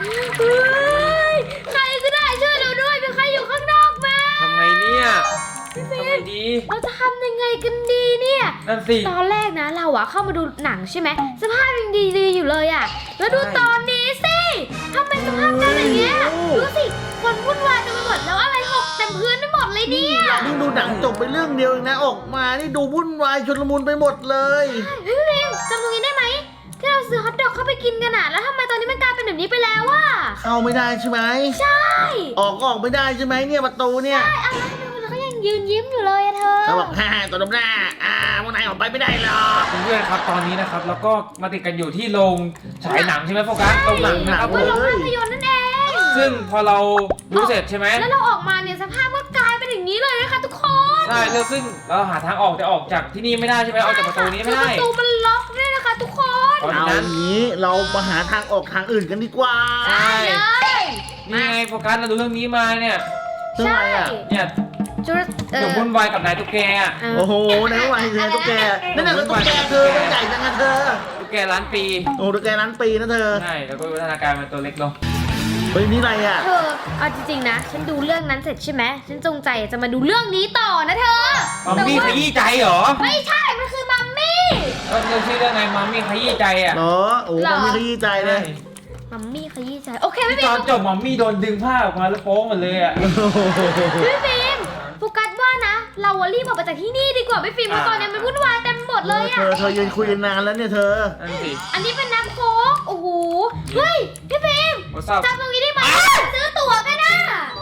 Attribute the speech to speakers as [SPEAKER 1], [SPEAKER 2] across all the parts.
[SPEAKER 1] เฮ้ยใครก็ได้ช่วยเราด้วยมีใครอยู่ข้างนอกไหม
[SPEAKER 2] ทำไงเนี่ย
[SPEAKER 1] พี่ฟิ
[SPEAKER 2] ทำไง
[SPEAKER 1] ล์ม
[SPEAKER 2] ดี
[SPEAKER 1] เราจะทำยังไงกันดีเนี่ย
[SPEAKER 2] นั่นสิ
[SPEAKER 1] ตอนแรกนะเราอะเข้ามาดูหนังใช่ไหมสภาพยังดีๆอยู่เลยอะแล้วดู
[SPEAKER 2] ใช่
[SPEAKER 1] ตอนนี้สิทำไมสภาพเป็นอย่างเงี้ยดูสิคนวุ่นวายเต็มไปหมดแล้วอะไรหกเต็มพื้นไปหมดเลยเนี่ย
[SPEAKER 3] นี่ดูหนังจบไปเรื่องเดียวเองนะออกมานี่ดูวุ่นวายชุลมุนไปหมดเลย
[SPEAKER 1] เฮ้ยพี่ฟิล์มจำตรงนี้ได้ไหมที่เราซื้อฮอทดอกเข้าไปกินกันอะแล้วทำไมตอนนี้มันกลายเป็นแบบนี้ไปแล้วอะ
[SPEAKER 3] เข้าไม่ได้ใช่ไหม
[SPEAKER 1] ใช่
[SPEAKER 3] ออกก็ออกไม่ได้ใช่ไหมเนี่ยประตูเนี่ย
[SPEAKER 1] อะไรมันเขายังยืนยิ้มอยู่เลยอะเธอ
[SPEAKER 3] เขาบอกฮ่าตัวดมหน้าพวกนายออกไปไม่ได้หรอก
[SPEAKER 2] เพื่อนๆครับตอนนี้นะครับแล้วก็มาติดกันอยู่ที่โรงฉายหนังใช่ไหมโฟกัสโรงหนังนะครับผ
[SPEAKER 1] ก็
[SPEAKER 2] ม
[SPEAKER 1] โรงภาพยนตร์นั่นเอง
[SPEAKER 2] ซึ่งพอเราดูเสร็จใช่ไหม
[SPEAKER 1] แล้วเราออกมาเนี่ยสภาพก็กลายเป็นอย่างนี้เลยนะคะทุกคน
[SPEAKER 2] ใช่แล้วซึ่งเราหาทางออกจะออกจากที่นี่ไม่ได้ใช่ไหมออกจากประตูนี้ไม่
[SPEAKER 1] คือ
[SPEAKER 2] ได้
[SPEAKER 1] ประตูมันล็อกด้วยนะคะทุกคน
[SPEAKER 2] เพราะฉะ
[SPEAKER 3] เอา
[SPEAKER 2] นั้น
[SPEAKER 3] อย่างนี้เรามาหาทางออกทางอื่นกันดีกว่า
[SPEAKER 2] ใช่
[SPEAKER 1] เลย
[SPEAKER 2] นี่ไงโฟกัสเราดูเรื่องนี้มาเนี่ย
[SPEAKER 3] เรื่องอะไรอ่ะ
[SPEAKER 2] เนี่ย
[SPEAKER 1] จุด
[SPEAKER 2] เดี๋ยววุ่นวายกับนายตุ๊กแกอะ
[SPEAKER 3] โอ้โหนายก็วายเธอตุ๊กแกนั่นน่ะตุ๊กแกเธอมันใหญ่จังนะเธอ
[SPEAKER 2] ตุ๊กแกล้านปี
[SPEAKER 3] โอ้ตุ๊กแกนั้นปีนะเธอ
[SPEAKER 2] ใช่แล้วก็วิวัฒนาการมันตัวเล็กลง
[SPEAKER 3] เฮ้ยนี่อะไรอ่ะ
[SPEAKER 1] เธอเอาจริงๆนะ ฉันดูเรื่องนั้นเสร็จใช่ไหมฉันจงใจจะมาดูเรื่องนี้ต่อนะเธอ
[SPEAKER 2] มัมมี่ขยี้ใจเหรอ
[SPEAKER 1] ไม่ใช่ มันคือมัมมี่
[SPEAKER 2] เรื่องชื่อเรื่องไงมัมมี่ขยี้ใจอ่ะ
[SPEAKER 3] เหรอโอ้มันมีขยี้ใจเลย
[SPEAKER 1] มัมมี่ขยี้ใจโอเคไม่
[SPEAKER 2] ที่
[SPEAKER 1] เป็น
[SPEAKER 2] ตอนจบมัมมี่โดนดึงผ้าออกมาแล้วโป๊หมดเลยอ่ะ
[SPEAKER 1] พี่ฟิล์มโฟกัสว่านะ เราอะรีบออกไปจากที่นี่ดีกว่าพี่ฟิล์มเพราะตอนนี้มันวุ่นวายเต็มหมดเลยอะ
[SPEAKER 3] เธอยืนคุยกันนานแล้วเนี่ยเธอ
[SPEAKER 2] นั่นสิ
[SPEAKER 1] อันนี้เป็นน้ำโค้กโอ้โห เฮ้ย พี่ฟิล์ม
[SPEAKER 2] โอ้ทราบ
[SPEAKER 1] จำตรงนี้ได้ไหมซื้อตั๋วกันนะ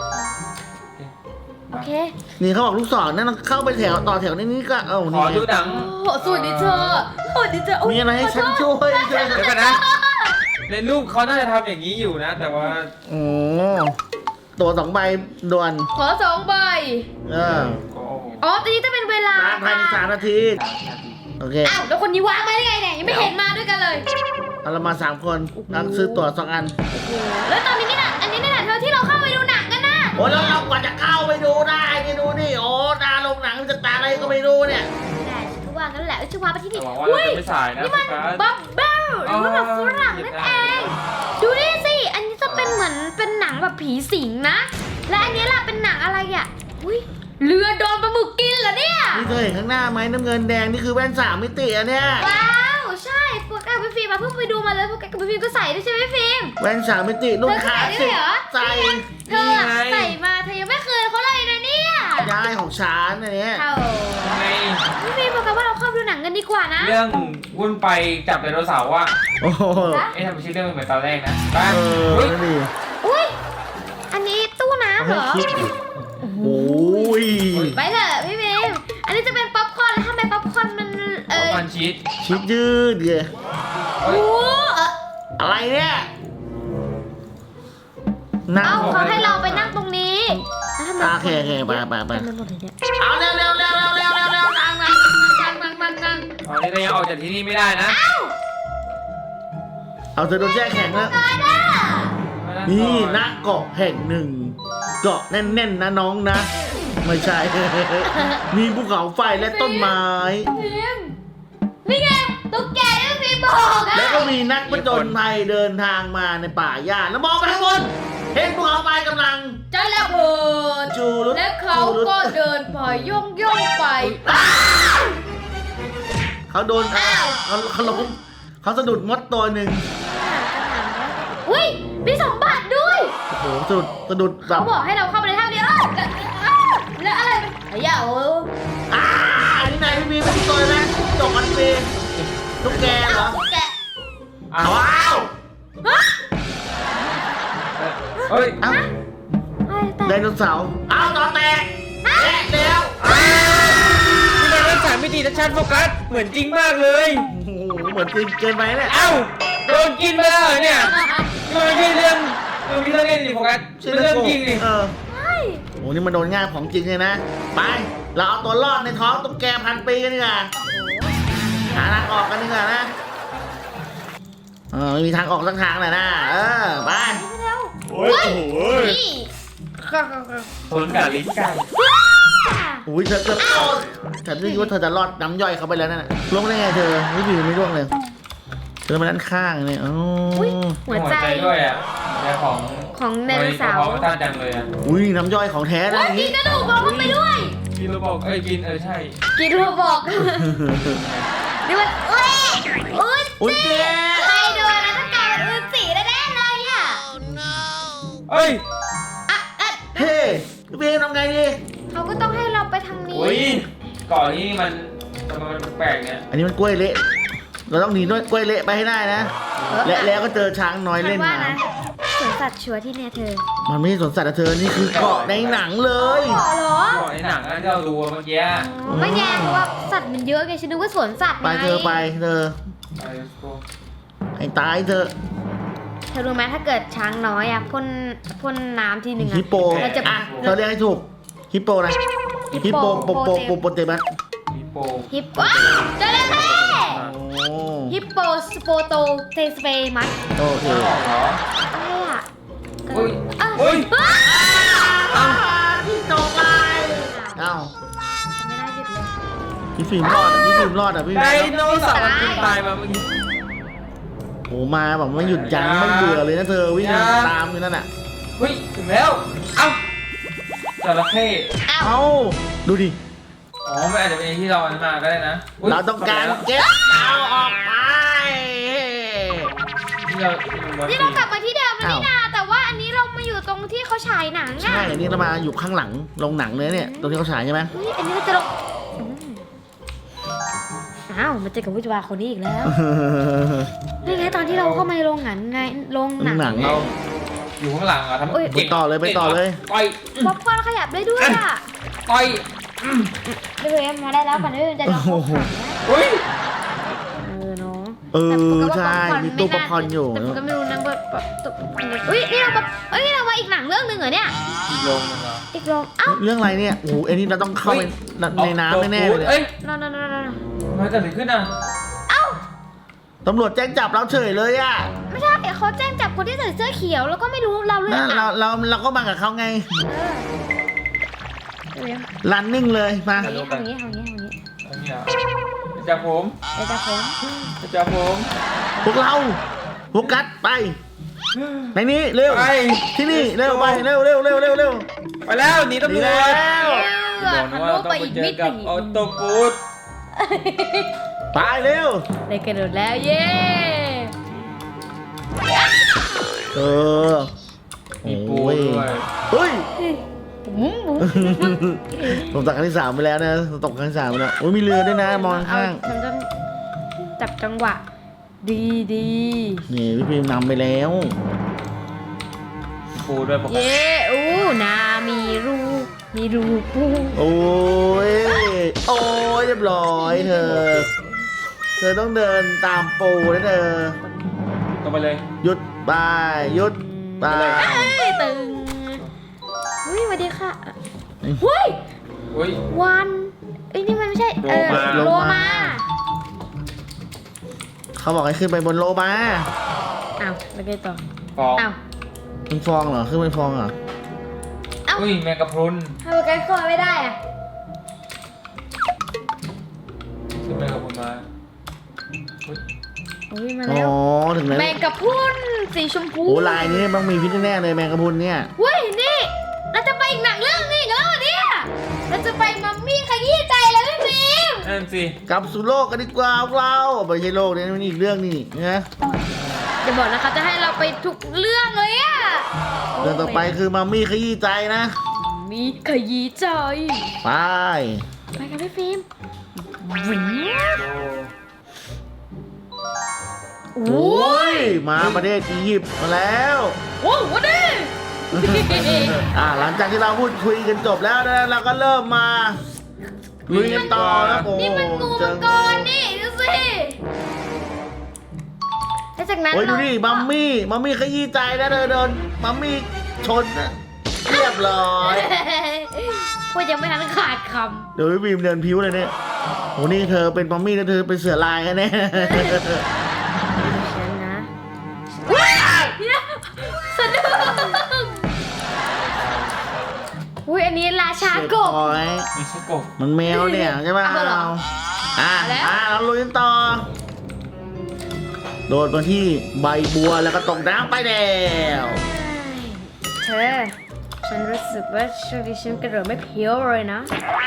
[SPEAKER 1] โอเค
[SPEAKER 3] นี่เขาบอกลูกศรนั่นเข้าไปแถวต่อแถวนี่ก็เอ้า
[SPEAKER 2] ข
[SPEAKER 3] นี่
[SPEAKER 2] อดูหนัง
[SPEAKER 1] โอ้สวัสดีเธอสวัสดีเธอโย
[SPEAKER 3] มีอะไรให้ฉันช่วยช่วย
[SPEAKER 2] เดี๋ยวกันนะ ในรูปเขาน่าจะทำอย่างนี้อยู่นะ แต่ว่า
[SPEAKER 3] โอ้ตัว2 ใบด่วน
[SPEAKER 1] ขอ2 ใบ
[SPEAKER 3] เออ
[SPEAKER 1] อ๋อตอนนี้จะเป็นเวลา
[SPEAKER 3] ภายใน3 นาทีโอเค
[SPEAKER 1] อ้าวแล้วคนนี้วางมาได้ไงเนี่ยยังไม่เห็นมาด้วยกันเลย
[SPEAKER 3] เอาเรามา3 คนนักซื้อตั๋ว2 อัน
[SPEAKER 1] แล้วตอนนี้นี่น่ะอันนี้นี่น่ะเธอที่เราเข้าไปดูหนังกันนะ
[SPEAKER 3] โอ้แล้วเรากว่าจะเข้าไปดูได้นี่ดูนี่โอ้ตาลงหนังจะตาอะไรก็ไม่รู้เนี่ย
[SPEAKER 1] ไม่ได้ฉันก็ว่างั้นแหละฉันวางไปที่นี่
[SPEAKER 2] หวังว่าเรา
[SPEAKER 1] อุ้ย
[SPEAKER 2] จะไม่สายนะ
[SPEAKER 1] นี่
[SPEAKER 2] โฟ
[SPEAKER 1] มัน
[SPEAKER 2] กัส
[SPEAKER 1] บับเบิ้ลหรือว่าแบบฝรั่งนั่นเอง ดูนี่สิ อันนี้จะเป็นเหมือนเป็นหนังแบบผีสิงนะ และอันนี้ล่ะเป็นหนังอะไรอ่ะ อุ้ยเรือโดนปลาหมึกกินเหรอเนี่ย
[SPEAKER 3] นี่เธอเห็นข้างหน้าไหมน้ำเงินแดงนี่คือแว่น3 มิติอะเนี่ย
[SPEAKER 1] ว้าว ใช่พวกแกกับพี่ฟิล์มมาเพิ่งไปดูมาเลยพวกแกกับพี่ฟิล์มก็ใส่ด้วยใช่ไหมพี่ฟิล์ม
[SPEAKER 3] แว่น3 มิติรุ่นคลาสสิกใส่
[SPEAKER 1] เธออะใส่มาเธอยังไม่เคยเขาเลยนะเนี่ย
[SPEAKER 3] ย้ายของฉันอันเนี้ย
[SPEAKER 1] เท่า
[SPEAKER 2] ยังไง
[SPEAKER 1] พี่ฟิล์มบอกกันว่าเราเข้าไปดูหนังกันดีกว่านะ
[SPEAKER 2] เรื่องวุ่นไปจับไดโนเสาร์ว่า
[SPEAKER 3] โอ้โห
[SPEAKER 2] เอ๊ะทำไมชื่อเรื่องมันเหมือนตอนแรกนะไป
[SPEAKER 3] เออ
[SPEAKER 2] เฮ้ย
[SPEAKER 3] นั่นดิ
[SPEAKER 1] อุ้ย อันนี้ตู้
[SPEAKER 3] เอา
[SPEAKER 1] น้ำเห
[SPEAKER 3] ให้
[SPEAKER 1] รอ
[SPEAKER 3] คิดดิโอ้ย
[SPEAKER 1] ไปเถอะพี่ฟิล์มอันนี้จะเป็นป๊อปคอร์นแล้วทำไมป๊อปคอร์นมัน
[SPEAKER 2] มันชีส
[SPEAKER 3] ชิดยืดเดีย
[SPEAKER 2] เฮ้ย
[SPEAKER 1] โอ้เออ
[SPEAKER 3] อะไรเนี่ยนั่ง
[SPEAKER 1] เอ้าเขาให้เราไปนั่งตรงนี้แล้วทำไม
[SPEAKER 3] โอเคโอเคไป
[SPEAKER 1] เต็มไปหมดเลยเนี่ย
[SPEAKER 3] เอาเร็วเร็วเร็วเร็วเร็วเร็วเร็วนั่งนั่งนั่งนั่งนั่งนั่ง
[SPEAKER 2] ตอนนี้เรายังออกจากที่นี่ไม่ได้นะ
[SPEAKER 3] เอาเธอโดนแช่แข็งแล้ว
[SPEAKER 1] ตายแล้ว
[SPEAKER 2] มา
[SPEAKER 3] นี่
[SPEAKER 2] ก่อ
[SPEAKER 3] ณเกาะแห่งหนึ่ง เกาะแน่นๆนะน้องนะ ไม่ใช่ มีภูเขาไฟและต้นไม้
[SPEAKER 1] ฟิล์มนี่ไงตุ๊กแกที่ฟิล์มบอกอะ
[SPEAKER 3] แล้วก็มีนักผจญภัยเดินทางมาในป่าหญ้าแล้วมองไปข้างบนเห็นภูเขาไฟกำลัง
[SPEAKER 1] จะระเบิด
[SPEAKER 3] จูรุด
[SPEAKER 1] และเขาก็เดินไปย่องไป
[SPEAKER 3] เขาโดนเขาล้มเขาสะดุดมดตัวหนึ่ง
[SPEAKER 1] อุ้ยมี2 บาทด้วย
[SPEAKER 3] โอ้โหสะดุดแบบ
[SPEAKER 1] เขาบอกให้เราเข้าไปในถ้ำเดียวแล้วอะไรมันเหี้ยโอ้
[SPEAKER 3] อันนี้นายพี่เป็นตัวนะจกมันปีตุ๊กแกเหรอ
[SPEAKER 1] ตุ๊กแก
[SPEAKER 2] อ้าว
[SPEAKER 3] ว้าว
[SPEAKER 2] เฮ้ย
[SPEAKER 3] เอ้าไดโนเสาร์เอาต่อแตกแตกแล้ว
[SPEAKER 2] นี่มันเรื่องสามมิตินะชัดโฟกัสเหมือนจริงมากเลย
[SPEAKER 3] โอ้โหเหมือนจริงเกินไปเนี่ย
[SPEAKER 2] เอ้าโดนกินไปแล้วเหรอเนี่ยนี่มันไม่ใช่เรื่องเล่นดิโฟกัสเป็นเรื่องจริงดิ
[SPEAKER 3] เออโอ้นี่มันโดนง่ายของจริงเลยนะไปเราเอาตัวรอดในท้องตุ๊กแก1,000 ปีกันดีกว่าหาทางออกกันดีกว่านะไม่มีทางออกสักทางเลยนะไป
[SPEAKER 2] โอ้ยโอ้โห
[SPEAKER 1] นี่
[SPEAKER 2] ทนกับลิ้นไก่
[SPEAKER 3] อุ้ยเธอฉันนึกว่าเธอจะรอดน้ำย่อยเขาไปแล้วนั่นน่ะล่วงได้ไงเธอไม่ดีไม่ล่วงเลยเดินมาด้านข้างเนี่ยอ๋อ
[SPEAKER 1] อุ้ยหัวใจ
[SPEAKER 2] ด้วยอ่ะแต่ของ
[SPEAKER 1] ของไดโนเสาร์
[SPEAKER 2] ของสั้นจังเลยอ่ะ
[SPEAKER 3] อุ้ยน้ำย่อยของแท้นะ
[SPEAKER 1] โอ้ย
[SPEAKER 3] อย่าง
[SPEAKER 1] กิ
[SPEAKER 3] นี้
[SPEAKER 1] นกระดูกบอลลงไปด้วย
[SPEAKER 2] กินแล้วบอกกินใช่
[SPEAKER 1] กินโรบอกนี่มันอุ้ย
[SPEAKER 3] อุ้ยเจ๊
[SPEAKER 1] ใครโดนนะต้องกลายเป็นอุ้ยสีแน่ๆเลยอ่ะ
[SPEAKER 2] เอ้ย
[SPEAKER 1] อ่ะอ่ะ
[SPEAKER 3] เฮ้พี่เบมทำไงดี
[SPEAKER 1] เขาก็ต้องให้เราไปทางนี้
[SPEAKER 2] อุ้ยก่อนนี้มันทำไมมันแปลกเนี่ย
[SPEAKER 3] อันนี้มันกล้วยเละเราต้องหนีด้วยกล้วยเละไปให้ได้นะและแล้วก็เจอช้างน้อยเล่น
[SPEAKER 1] ว่า
[SPEAKER 3] น้
[SPEAKER 1] นะสวนสัตว์ชัวร์ที่เนี่ยเธอ
[SPEAKER 3] ำมันไม่ใช่สวนสัตว์นะเธอนี่คือเกาะในหนังเลย
[SPEAKER 1] เกาะเหรอ
[SPEAKER 2] ก่อนในหนังที่เราดูเมื่อกี้
[SPEAKER 1] ไม่แย่เพราะว่าสัตว์มันเยอะไงฉันนึกว่าสวนสัตว์
[SPEAKER 3] ไป
[SPEAKER 1] ไง
[SPEAKER 3] เธอไปเธอให้ตายเธอ
[SPEAKER 1] เธอรู้ไหมถ้าเกิดช้างน้อยอ่ะพ่นน้ำทีหนึ่งอ่ะ
[SPEAKER 3] ฮิปโป
[SPEAKER 1] เราจะ
[SPEAKER 3] อ่ะเธอเรียกให้ถูกฮิปโปนะฮิปโปโปเตมัส
[SPEAKER 2] ฮิปโป
[SPEAKER 1] ฮิปโปเจอแล้วแท้
[SPEAKER 3] โอ้
[SPEAKER 1] ฮิปโปสโปโตเทสเปมัส
[SPEAKER 3] โอเค
[SPEAKER 2] ไม่ออกเหรอ
[SPEAKER 1] อะไรอ่ะ
[SPEAKER 2] อุ้ย
[SPEAKER 1] อ้าว
[SPEAKER 2] อุ้ย
[SPEAKER 1] อ้าว
[SPEAKER 3] พี่ตกไปเอ้า
[SPEAKER 1] ไม่ได้หยุดเลย
[SPEAKER 3] พี่ฟิล์มรอดอ่ะพี่ฟิล์มรอดอ่ะพี่
[SPEAKER 2] ไดโนเสาร์มันกินตายมาเมื่อกี้
[SPEAKER 3] โอ้มาแบบไม่หยุดยั้งไม่เบื่อเลยนะเธอวิ่งตามอยู่นั่นน่ะ
[SPEAKER 2] เฮ้ยถึงแล้วเอ้าจระเข้
[SPEAKER 1] อ้าว
[SPEAKER 3] เอ้าดูดิ
[SPEAKER 2] อ๋อมันอาจจะเป็นที่เราอันมาก็ได้นะย
[SPEAKER 3] เราต้องการเก็บเอาออกไป
[SPEAKER 2] ที่เรา
[SPEAKER 1] นี่เรากลับมาที่เดิมแล้วนี่นาแต่ว่าอันนี้เรามาอยู่ตรงที่เขาฉายหนัง
[SPEAKER 3] ใช่
[SPEAKER 1] อ่ะ
[SPEAKER 3] อันนี้เรามาอยู่ข้างหลังโรงหนังเลยเนี่ยตรงที่เขาฉายใช่ไหม
[SPEAKER 1] เฮ้ยอันนี้เราจะลงอ้าวมาเจอกับวิจวาคนนี้อีกแล้วนี่ไงตอนที่เราเข้ามาในโรงหนังไงโรงหนัง
[SPEAKER 3] หนังเรา
[SPEAKER 2] อยู่ข้างหลังอ่ะทำ
[SPEAKER 1] อุ้ย
[SPEAKER 3] ไปต่อเลยไปต่อเลย
[SPEAKER 2] ต่อย
[SPEAKER 1] ป๊อปคอร์นขยับได้ด้วยอ่ะ
[SPEAKER 2] ต่อย
[SPEAKER 1] เดี๋ยวมาได้แล้วก่อนเดี๋ยวจะลอง
[SPEAKER 3] โอ้โห
[SPEAKER 2] อุ้ย
[SPEAKER 1] เนาะ
[SPEAKER 3] เออใช่มีตู้ป๊อปคอร์นอยู่
[SPEAKER 1] แต่ผมก็ไม่รู้นะว่าตู้อุ้ยนี่เรามาเอ้ยเรามาอีกหนังเรื่องหนึ่งเหรอเนี่ย
[SPEAKER 2] อีกลงนึงเหรอ
[SPEAKER 1] อีกโรงเอ้า
[SPEAKER 3] เรื่องอะไรเนี่ยโอ้โหอันนี้เราต้องเข้าไปในน้ำแน่ๆเลย
[SPEAKER 2] เอ้ย
[SPEAKER 1] นอน
[SPEAKER 2] มันเกิดอะไรขึ้นอ่ะ
[SPEAKER 1] เอ้า
[SPEAKER 3] ตำรวจแจ้งจับเราเฉยเลยอ่ะ
[SPEAKER 1] ไม่ใช่เขาแจ้งจับคนที่ใส่เสื้อเขียวแล้วก็ไม่รู้เราเรื่อ
[SPEAKER 3] นั่
[SPEAKER 1] ง
[SPEAKER 3] น
[SPEAKER 1] อ่ะ
[SPEAKER 3] เราก็มากับเขาไง
[SPEAKER 1] เดี๋ยว
[SPEAKER 3] รันนิ่งเลยมา
[SPEAKER 1] ทำอย่างนี้
[SPEAKER 2] อันนี้อ่ะจากผม
[SPEAKER 1] เดี๋ยวจะผม
[SPEAKER 2] จากผม
[SPEAKER 3] พวกเราโฟกัสไปในนี้เร็ว
[SPEAKER 2] ไป
[SPEAKER 3] ที่นี่เร็วไปเร็ว
[SPEAKER 2] ไปแล้วหนีตำรวจ
[SPEAKER 3] แล้ว
[SPEAKER 2] บอกนะว่าเราต้องไปเจอกับออโตฟูด
[SPEAKER 3] ไปเร็ว
[SPEAKER 1] ได้กระโดดแล้วเย้
[SPEAKER 3] เออ
[SPEAKER 2] มีปูด้วย
[SPEAKER 3] เฮ้ย
[SPEAKER 1] บุ้ม
[SPEAKER 3] ผมตกครั้งที่ 3ไปแล้วนะผมตกครั้งที่ 3ไปแล้วโอ้ยมีเรือด้วยนะมองข้าง
[SPEAKER 1] ฉันต้องจับจังหวะ ดี
[SPEAKER 3] นี่พี่พิมพ์นำไปแล้ว
[SPEAKER 2] ปูด้วยปกติ
[SPEAKER 1] เย้อู้นามีรูปู
[SPEAKER 3] โอ้ยเรียบร้อยเธอต้องเดินตามปูนะเธอ
[SPEAKER 2] ตรงไปเลย
[SPEAKER 3] หยุดไปหยุดไป
[SPEAKER 1] เฮ้ยตึงเฮ้ยสวัสดีค่ะเฮ้ย
[SPEAKER 2] อุ้ย
[SPEAKER 1] วันเอ้ยนี่มันไม่ใช่โลมา
[SPEAKER 3] เขาบอกให้ขึ้นไปบนโลมา
[SPEAKER 1] อ้าวแล้วไงต่อ
[SPEAKER 2] ฟอง
[SPEAKER 1] อ้าว
[SPEAKER 3] เป็นฟองเหรอขึ้นเป็นฟองเหรอ
[SPEAKER 2] อุ้ยแมงกะพรุน
[SPEAKER 1] ทำไมกันคอไม่ได้อะ
[SPEAKER 2] ขึ้นแมงกะพรุนมาอุ้ย
[SPEAKER 1] โอ้ยมา
[SPEAKER 3] อ๋
[SPEAKER 1] แล้ว
[SPEAKER 3] อถึงแล้ว
[SPEAKER 1] แมงกะพรุนสีชมพู
[SPEAKER 3] โอ้ลายนี้ต้องมีพิษแน่ๆเลยแมงกะพรุนเนี่ย
[SPEAKER 1] เฮ้ยนี่เราจะไปอีกหนังเรื่องนี้อีกแล้วเหรอเนี่ยเราจะไปมัมมี่ขยี้ใจแล้วพี่ฟิล์ม
[SPEAKER 2] นั่นสิ
[SPEAKER 3] กลับสู่โลกกันดีกว่าพวกเราไม่ใช่โลกนี้มันอีกเรื่องนี่นะ
[SPEAKER 1] จะบอกนะคะจะให้เราไปทุกเรื่องเลยอะ
[SPEAKER 3] เรื่องต่อไปคือมัมมี่ขยี้ใจนะ
[SPEAKER 1] มีขยี้ใจ
[SPEAKER 3] ไป
[SPEAKER 1] ไปกันพี่ฟิล์ม
[SPEAKER 3] โอ้ยมาประเทศอียิปต์มาแล้ว
[SPEAKER 1] โอ้วันนี้
[SPEAKER 3] หลังจากที่เราพูดคุยกันจบแล้วนะเราก็เริ่มมาลุยกันต่อแล้วโอ้
[SPEAKER 1] นี่มันงูมังกรนี่ดูสิแล้วจากนั้น
[SPEAKER 3] โอ้ยดูดิมัมมี่ขยี้ใจนะเธอโดนมัมมี่ชนนะเรียบร้อย
[SPEAKER 1] พูดยังไม่ทันขาดค
[SPEAKER 3] เดี๋ยวพี่บีมเดินพิ้วเลยเนี่ยโหนี่เธอเป็นมัมมี่แล้วเธอเป็นเสือลายแน่
[SPEAKER 1] ำฉันนะว้ายสะดุ้งอุ้ยอันนี้ราชากบ
[SPEAKER 3] โอ้ย
[SPEAKER 2] มีชิโกะ
[SPEAKER 3] มันแมวเนี่ยใช่ป่ะ
[SPEAKER 1] เอาเหรอ
[SPEAKER 3] เราลุยกันต่อ โดโดดมาที่ใบบัวแล้วก็ตกน้ำไปแล้ว
[SPEAKER 1] เธอฉันรู้สึกว่าช่วงนี้ฉันกระโดดไม่เพี้ยวเลยนะ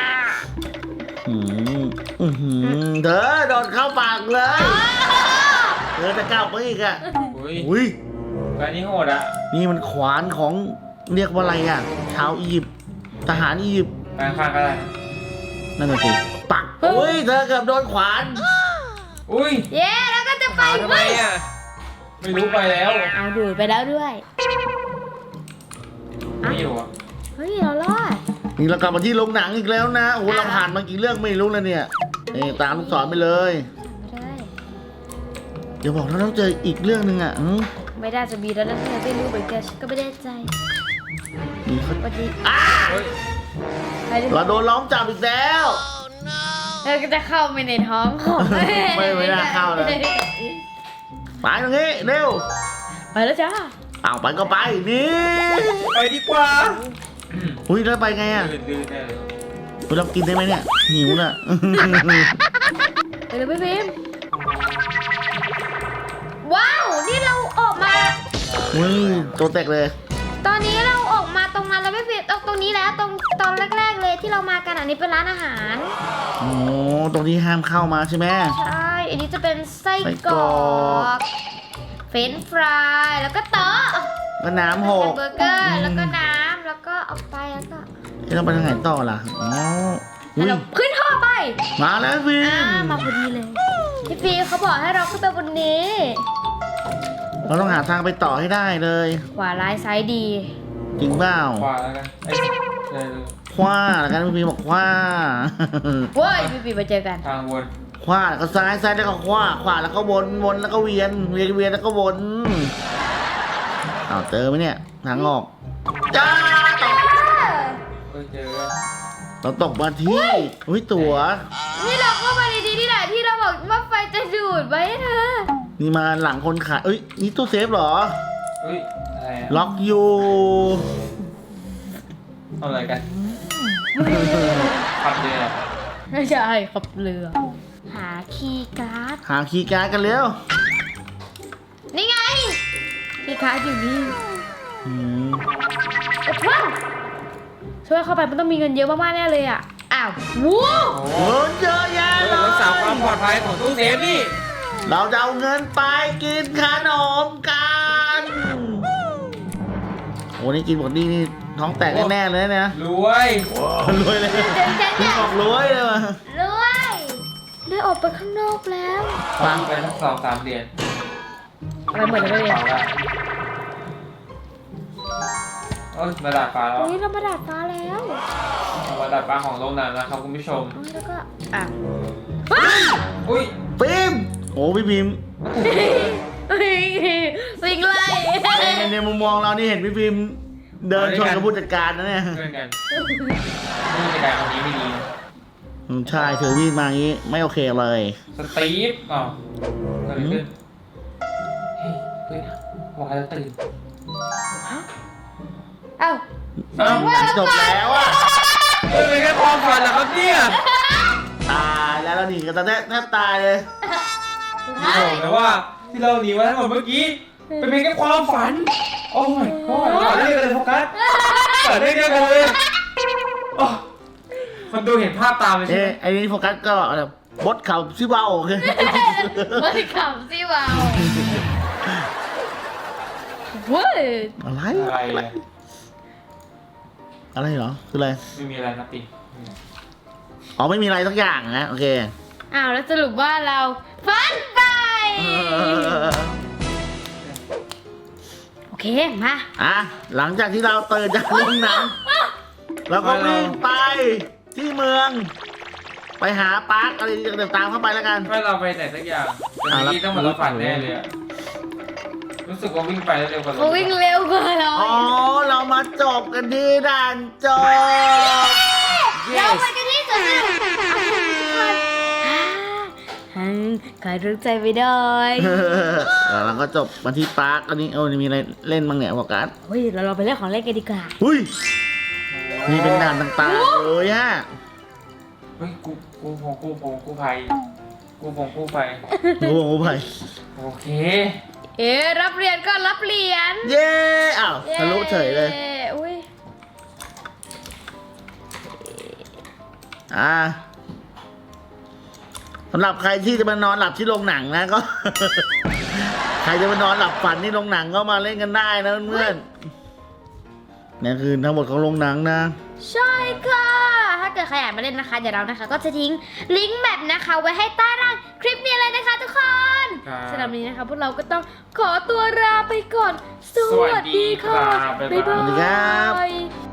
[SPEAKER 3] เธอโดดเข้าปากเลยเธอจะก้าวไปอีกอ่ะ
[SPEAKER 2] อุ้ย
[SPEAKER 3] อุ้ย
[SPEAKER 2] การนี้โหดอ่ะ
[SPEAKER 3] นี่มันขวานของเรียกว่าอะไรอ่ะชาวอียิปต์ทหารอียิปต์
[SPEAKER 2] แปลงข้างก็ได้นะ
[SPEAKER 3] นั่นน่ะสิปักอุ้ยเธอเกือบโดนขวาน
[SPEAKER 2] อุ้ย
[SPEAKER 1] เย้แล้วก็จะไป
[SPEAKER 2] หาทำไมอ่ะไม่รู้ไปแล้ว
[SPEAKER 1] เอาดูดไปแล้วด้วย
[SPEAKER 2] ไม่อยู่อ่ะ
[SPEAKER 1] เฮ้ยเรารอด
[SPEAKER 3] นี่เรากลับมาที่โรงหนังอีกแล้วนะโอ้โหเราผ่านมากี่เรื่องไม่รู้แล้วเนี่ยนี่ตามลูกศรไปเลย
[SPEAKER 1] ไม่ได้
[SPEAKER 3] เดี๋ยวบอกเราต้องเจออีกเรื่องหนึ่งอ่ะ
[SPEAKER 1] ไม่ได้จะมีแล้วนะเธอไม่รู้เหมือนกันฉันก็ไม่แน่ใจ
[SPEAKER 3] นี่เขา
[SPEAKER 1] สวัสดี
[SPEAKER 2] เฮ้ย
[SPEAKER 1] ไปดิ
[SPEAKER 3] เราโดนล้อมจับอีกแล้ว
[SPEAKER 1] เธอก็จะเข้าไปในท้องของ
[SPEAKER 3] ไม่น่าเข้าเลย ไปตรงนี้เร็ว
[SPEAKER 1] ไปแล้วจ้า
[SPEAKER 3] เอาไปก็ไปนี่
[SPEAKER 2] ไปดีกว่า
[SPEAKER 3] อุ้ยแล้วไปไงอ่ะ
[SPEAKER 2] ลื่นๆแน่เลย
[SPEAKER 3] เรากินได้ไหมเนี่ยหิวน่ะ
[SPEAKER 1] ไปเลยพี่พิมว้าวนี่เราออกมา
[SPEAKER 3] อุ้ยตัวแตกเลย
[SPEAKER 1] ตอนนี้เราออกมาตรงนั้นแล้วพี่พิมตรงนี้แล้วตอนแรกๆเลยที่เรามากันอันนี้เป็นร้านอาหาร
[SPEAKER 3] โอ้ตรงนี้ห้ามเข้ามาใช่ไหม
[SPEAKER 1] ใช่อันนี้จะเป็นไส้
[SPEAKER 3] ไส้
[SPEAKER 1] ก
[SPEAKER 3] ก
[SPEAKER 1] ร
[SPEAKER 3] ร
[SPEAKER 1] อ
[SPEAKER 3] อก
[SPEAKER 1] กเฟรนช์ฟรายแล้วก็โต๊ะ
[SPEAKER 3] ก็น้ำหก
[SPEAKER 1] เบอร์เกอร์แล้วก็น้ำแล้วก็เอาไปแล้วก็
[SPEAKER 3] เราไปทางไหนต่อล่ะอ๋ออุ้ย
[SPEAKER 1] เราขึ้นท่อไป
[SPEAKER 3] มาแล้วฟิล์ม
[SPEAKER 1] มาพอดีเลยพี่ฟิล์มเขาบอกให้เราขึ้นไปบนนี้
[SPEAKER 3] เราต้องหาทางไปต่อให้ได้เลย
[SPEAKER 1] ขวาร้ายซ้ายดี
[SPEAKER 3] จริงเปล่า
[SPEAKER 2] ขวาแล้วกันเอ้ยเลย
[SPEAKER 3] คว้าแล้วกันฟิล์มบอกคว้า
[SPEAKER 1] เว้ยพี่ฟิล์มมาเจอกัน
[SPEAKER 2] ทางวน
[SPEAKER 3] ขวาแล้วก็ซ้ายซ้ายแล้วก็ขวาขวาแล้วก็วนวนแล้วก็เวียนเวียนเวียนแล้วก็วนเอาเจอไหมเนี่ยทางออกจ้าตก
[SPEAKER 2] เฮ้ยเจอ
[SPEAKER 3] เราตกมาที่อุ้ยตั๋ว
[SPEAKER 1] นี่เราเข้ามาในที่ที่ไหนที่เราบอกว่าไฟจะดูดไว้ให้เธอ
[SPEAKER 3] นี่มาหลังคนขายเอ้ยนี่ตู้เซฟเหรอ
[SPEAKER 2] เฮ้ยอะไรอ่ะ
[SPEAKER 3] ล็อกอยู่
[SPEAKER 2] ทำอะไรกันขับเรือ
[SPEAKER 1] ไม่ใช่ขับเรือ หาคีย์การ์ด
[SPEAKER 3] หาคีย์การ์ดกันเร็ว
[SPEAKER 1] นี่ไงคีย์การ์ดอยู่นี่
[SPEAKER 3] อืม
[SPEAKER 1] ว้าวช่วยเข้าไปมันต้องมีเงินเยอะมากๆแน่เลยอ่ะอ้าวว้าว
[SPEAKER 2] โอ้
[SPEAKER 3] โอ้เยอะแยะเล
[SPEAKER 2] รักษาความ
[SPEAKER 3] ย
[SPEAKER 2] ปลอดภัยของตู้เซฟนี่
[SPEAKER 3] เราจะเอาเงินไปกินขนมกันโอ้นี่กินหมดนี่ท้องแตกแน่ๆเลยนะ
[SPEAKER 2] รวย
[SPEAKER 3] รวยเลย
[SPEAKER 1] เจ๋ง
[SPEAKER 3] พี่บอกรวยเลยว่ะ
[SPEAKER 1] รวยได้ออกไปข้างนอกแล้ว
[SPEAKER 2] ฟังไปสัก2-3 เดือน
[SPEAKER 1] อะไรเหมือนกันเลย
[SPEAKER 2] ฟังได้เอ้ยมาดาดฟ้าแล้ว
[SPEAKER 1] อุ้ยเรามาดาดฟ้าแล้ว
[SPEAKER 2] มาดาดฟ้าของโรงหนังนะครับคุณผู้ชม
[SPEAKER 1] อุ้ยแล้วก็อ่ะ
[SPEAKER 2] อุ้ย
[SPEAKER 3] พิมพ์โอ้พี่พิมพ์
[SPEAKER 1] วิ่งไล่
[SPEAKER 3] ในมุมมองเรานี่เห็นพี่พิมพ์เดินชนกับผู้จัดการนะเนี่ย
[SPEAKER 2] เพื่อนกันผู้จัดการคนนี้ไม่ดีนะ
[SPEAKER 3] ใช่ถือมีดมาอย่างนี้ไม่โอเคเลย
[SPEAKER 2] สตีฟอ๋อเกิดอะไรขึ้นเฮ้ยว่าจะตื่น
[SPEAKER 1] เอ้า
[SPEAKER 2] เอ้า
[SPEAKER 3] หนังจบแล้วอะ
[SPEAKER 2] เฮ้ยเป็นแค่ความฝันเหรอครับเนี่ย
[SPEAKER 3] ตายแล้วเราหนีกันตอนแทบตายเลย
[SPEAKER 2] โอ้แต่ว่าที่เราหนีมาทั้งหมดเมื่อกี้เป็นเพียงแค่ความฝัน โอ้ my god เกิดเรื่องอะไรโฟกัสเกิดเรื่องเดียวกันเลยโอ้คนดูเห็นภาพตามเลยใช่
[SPEAKER 3] เอ๊ะ
[SPEAKER 2] ไหม
[SPEAKER 3] ไอ้นี่โฟกัสก็แบบบดเข่าซิเบาโอเค
[SPEAKER 1] ไม่ขำสิวาวเว้ย
[SPEAKER 3] อะไร
[SPEAKER 2] อะไรอะ
[SPEAKER 3] อะไรเหรอคืออะไร
[SPEAKER 2] ไม่มีอะไรนะปิง
[SPEAKER 3] อ๋อไม่มีอะไรสักอย่างนะโอเค
[SPEAKER 1] อ้าวแล้วสรุปว่าเราฝันไป โอเคมา
[SPEAKER 3] อ่ะหลังจากที่เราตื่นจากโรงหนังเราก็วิ่งไปที่เมือง ไปหาปาร์คอะไรเดี๋ยวตามเข้าไปแล้วกัน
[SPEAKER 2] ไม่เราไปไหนสักอย่างแต่เมื่อกี้ต้องเหมือนเราฝันแน่เลยอะรู้สึกว่าวิ่งไปแล้วเร็วกว่า
[SPEAKER 1] เขาวิ่งเร็วกว่าเรา
[SPEAKER 3] อ๋อเรามาจบกันที่ด่านจบ
[SPEAKER 1] เราไปกันที่สวนสนุกขายรู้ใจไปด้วย
[SPEAKER 3] แล้วเราก็จบมาที่ปาร์คอันนี้มีอะไรเล่นบ้างเนี่ยโฟกัส
[SPEAKER 1] เฮ้ยเราไปเล่นของเล่นกันดีกว่า
[SPEAKER 3] หุ้ยนี่เป็นด่านต่างๆเลยฮะ
[SPEAKER 2] เฮ้ยกูภัยกู้ไฟ
[SPEAKER 3] โอ้โหไป
[SPEAKER 2] โอเค
[SPEAKER 1] รับเหรียญก็รับเหรียญ
[SPEAKER 3] เย้อ้าวทะลุเฉยเลย
[SPEAKER 1] อุ้ย
[SPEAKER 3] สำหรับใครที่จะมานอนหลับที่โรงหนังนะก็ ใครจะมานอนหลับฝันที่โรงหนังก็มาเล่นกันได้นะเพื่อนๆนี่คือทั้งหมดของโรงหนังนะ
[SPEAKER 1] ใช่ค่ะ ถ้าเกิดใครอยากมาเล่นนะคะเดี๋ยวเรานะคะ ก็จะทิ้งลิงก์แบบนะคะ ไว้ให้ใต้ล่างคลิปนี้เลยนะคะทุกคน
[SPEAKER 2] ครับ
[SPEAKER 1] สำหรับวันนี้นะคะพวกเราก็ต้องขอตัวลาไปก่อน สวัสดีค่ะ
[SPEAKER 2] สวัสดีครับบ๊ายบาย
[SPEAKER 1] บ๊ายบา
[SPEAKER 3] สวัสดีครับ
[SPEAKER 1] ย